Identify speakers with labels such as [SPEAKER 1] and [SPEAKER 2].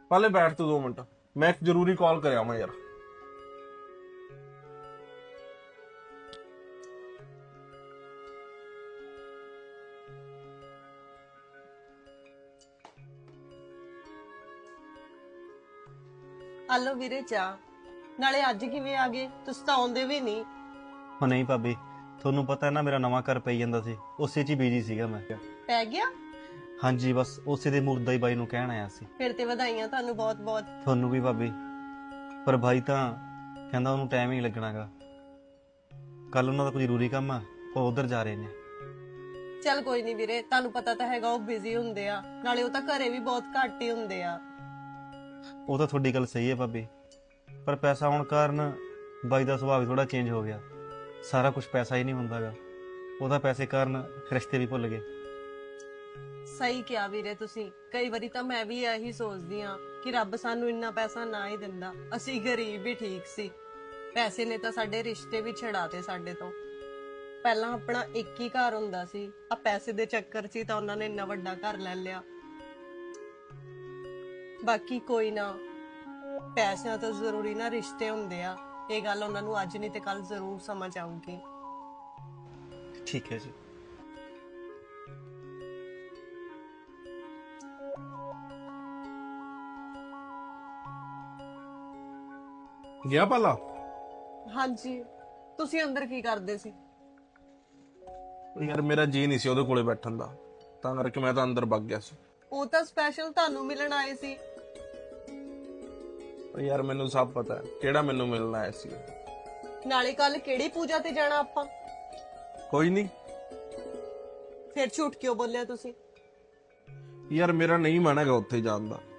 [SPEAKER 1] पहले बैठ तू 2 मिनट, मैं एक जरूरी कॉल कर आवां यार।
[SPEAKER 2] ਆਲੋ ਵੀਰੇ ਚਾਹ। ਨਾਲੇ ਅੱਜ ਕਿਵੇਂ ਆ ਗਏ? ਤੁਸੀਂ ਤਾਂ ਆਉਂਦੇ ਵੀ ਨਹੀਂ।
[SPEAKER 3] ਉਹ ਨਹੀਂ ਭਾਬੀ, ਤੁਹਾਨੂੰ ਪਤਾ ਹੈ ਨਾ ਮੇਰਾ ਨਵਾਂ ਘਰ ਪਈ ਜਾਂਦਾ ਸੀ, ਉਸੇ 'ਚ ਹੀ ਬਿਜੀ ਸੀਗਾ ਮੈਂ।
[SPEAKER 2] ਪੈ ਗਿਆ?
[SPEAKER 3] ਹਾਂਜੀ, ਬਸ ਉਸੇ ਦੇ ਮੁਰਦਾ ਹੀ ਬਾਈ ਨੂੰ ਕਹਿਣ ਆਇਆ ਸੀ।
[SPEAKER 2] ਫਿਰ ਤੇ ਵਧਾਈਆਂ ਤੁਹਾਨੂੰ ਬਹੁਤ ਬਹੁਤ।
[SPEAKER 3] ਤੁਹਾਨੂੰ ਵੀ ਭਾਬੀ, ਪਰ ਭਾਈ ਤਾਂ ਕਹਿੰਦਾ ਉਹਨੂੰ ਟਾਈਮ ਹੀ ਨਹੀਂ ਲੱਗਣਾਗਾ। ਕੱਲ ਉਹਨਾਂ ਦਾ ਕੋਈ ਜ਼ਰੂਰੀ ਕੰਮ ਆ, ਉਹ ਉਧਰ ਜਾ ਰਹੇ ਨੇ।
[SPEAKER 2] ਚੱਲ ਕੋਈ ਨਹੀਂ ਵੀਰੇ, ਤੁਹਾਨੂੰ ਪਤਾ ਤਾਂ ਹੈਗਾ ਉਹ ਬਿਜ਼ੀ ਹੁੰਦੇ ਆ, ਨਾਲੇ ਉਹ ਤਾਂ ਘਰੇ ਵੀ ਬਹੁਤ ਘੱਟ ਹੀ ਹੁੰਦੇ ਆ।
[SPEAKER 3] ਉਹ ਤਾਂ ਤੁਹਾਡੀ ਗੱਲ ਸਹੀ ਹੈ ਭਾਬੀ, ਪਰ ਪੈਸਾ ਆਉਣ ਕਾਰਨ ਬਾਈ ਦਾ ਸੁਭਾਅ ਵੀ ਥੋੜਾ ਚੇਂਜ ਹੋ ਗਿਆ। ਸਾਰਾ ਕੁਝ ਪੈਸਾ ਹੀ ਨਹੀਂ ਹੁੰਦਾਗਾ, ਉਹਦਾ ਪੈਸੇ ਕਾਰਨ ਰਿਸ਼ਤੇ ਵੀ ਭੁੱਲ ਗਏ।
[SPEAKER 2] ਸਹੀ ਕਿਹਾ ਵੀਰੇ ਤੁਸੀਂ। ਕਈ ਵਾਰੀ ਤਾਂ ਮੈਂ ਵੀ ਇਹੀ ਸੋਚਦੀ ਆ ਕਿ ਰੱਬ ਸਾਨੂੰ ਇੰਨਾ ਪੈਸਾ ਨਾ ਹੀ ਦਿੰਦਾ, ਅਸੀਂ ਗਰੀਬ ਹੀ ਠੀਕ ਸੀ। ਪੈਸੇ ਨੇ ਤਾਂ ਸਾਡੇ ਰਿਸ਼ਤੇ ਵੀ ਛਡਾਤੇ ਸਾਡੇ ਤੋਂ। ਪਹਿਲਾਂ ਆਪਣਾ ਇੱਕ ਹੀ ਘਰ ਹੁੰਦਾ ਸੀ, ਆ ਪੈਸੇ ਦੇ ਚੱਕਰ 'ਚ ਹੀ ਤਾਂ ਉਹਨਾਂ ਨੇ ਇੰਨਾ ਵੱਡਾ ਘਰ ਲੈ ਲਿਆ। ਬਾਕੀ ਕੋਈ ਨਾ, ਪੈਸਿਆਂ ਤੋਂ ਜ਼ਰੂਰੀ ਨਾ ਰਿਸ਼ਤੇ ਹੁੰਦੇ ਆ। ਇਹ ਗੱਲ ਉਹਨਾਂ ਨੂੰ ਅੱਜ ਨਹੀਂ ਤੇ ਕੱਲ ਜ਼ਰੂਰ ਸਮਝ ਆਊਗੀ।
[SPEAKER 3] ਠੀਕ ਹੈ ਜੀ।
[SPEAKER 1] गया पाला?
[SPEAKER 2] ਹਾਂਜੀ, ਤੁਸੀਂ ਅੰਦਰ ਕੀ ਕਰਦੇ ਸੀ?
[SPEAKER 1] यार मेरा जी नहीं सी ओदे कोले बैठन दा, तां करके मैं तां अंदर भग गया सी।
[SPEAKER 2] ਉਹ ਤਾਂ ਸਪੈਸ਼ਲ ਤੁਹਾਨੂੰ ਮਿਲਣ ਆਏ ਸੀ।
[SPEAKER 1] यार मैनू सब पता है केड़ा मैनू मिलना आया सी।
[SPEAKER 2] ਨਾਲੇ ਕੱਲ ਕਿਹੜੀ ਪੂਜਾ ਤੇ ਜਾਣਾ ਆਪਾਂ?
[SPEAKER 1] कोई नहीं
[SPEAKER 2] ਫਿਰ ਝੂਠ ਕਿਉਂ ਬੋਲਿਆ ਤੁਸੀਂ?
[SPEAKER 1] यार मेरा नहीं मन है उत्थे जान दा।